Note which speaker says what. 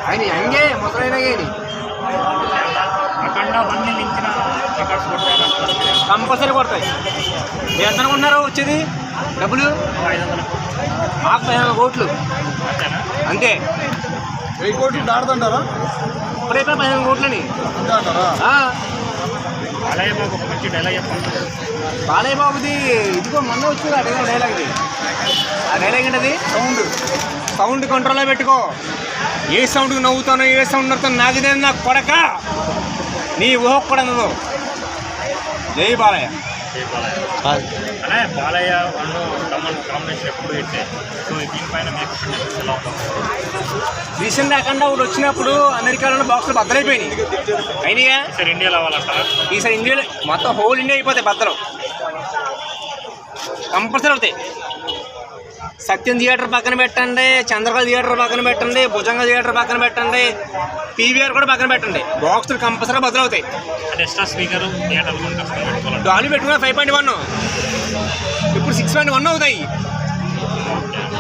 Speaker 1: ఆయన హంగే ముసలైన కానీ
Speaker 2: అక్కడ అవన్నీ మించిన రికార్డ్స్ కొట్టారు
Speaker 1: కంపల్సరీ కొడతాయి. మీరు ఎంత అనుకుంటున్నారు వచ్చేది డబ్బులు? 15 కోట్లు అంతే.
Speaker 3: 1000 కోట్లు దాడుతుంటారా?
Speaker 1: ఇప్పుడైతే 15 కోట్లని
Speaker 3: అంటారా?
Speaker 2: బాలయ్య బాబు ఒక మంచి డైలాగ్ చెప్పండి.
Speaker 1: బాలయ్య బాబుది ఇదిగో మొన్న వచ్చింది అదే డైలాగ్. ఇది ఆ డైలాగ్ ఏంటది? సౌండ్ కంట్రోల్లో పెట్టుకో. ఏ సౌండ్కి నవ్వుతానో ఏ సౌండ్ నవ్వుతాను నాకుదే నా కొడక, నీ ఊహ కూడా నువ్వు. జై బాలయ్య.
Speaker 2: అనే బాలయ్య వాళ్ళు కాంబినేషన్ ఎప్పుడు పెట్టే. సో దీనిపైన మీకు ఎలా ఉంటుంది?
Speaker 1: రీసెంట్ అఖండ ఒకటి వచ్చినప్పుడు అమెరికాలో బాక్సులు బద్దలైపోయినాయి. అయినాయా?
Speaker 2: సార్ ఇండియాలో అవ్వాలంటారా?
Speaker 1: ఈసారి ఇండియాలో మొత్తం హోల్ ఇండియా అయిపోతాయి బద్దలు. కంపల్సరీ అవుతాయి. సత్యం థియేటర్ పక్కన పెట్టండి, చంద్రకళ థియేటర్ పక్కన పెట్టండి, భుజంగ థియేటర్ పక్కన పెట్టండి, పీవీఆర్ కూడా పక్కన పెట్టండి. బాక్సులు కంపల్సరీ బదులవుతాయి.
Speaker 2: ఎక్స్ట్రా స్పీకర్ థియేటర్ పెట్టుకోవాలి.
Speaker 1: డాలీ పెట్టుకున్న 5.1, ఇప్పుడు 6.1 అవుతాయి.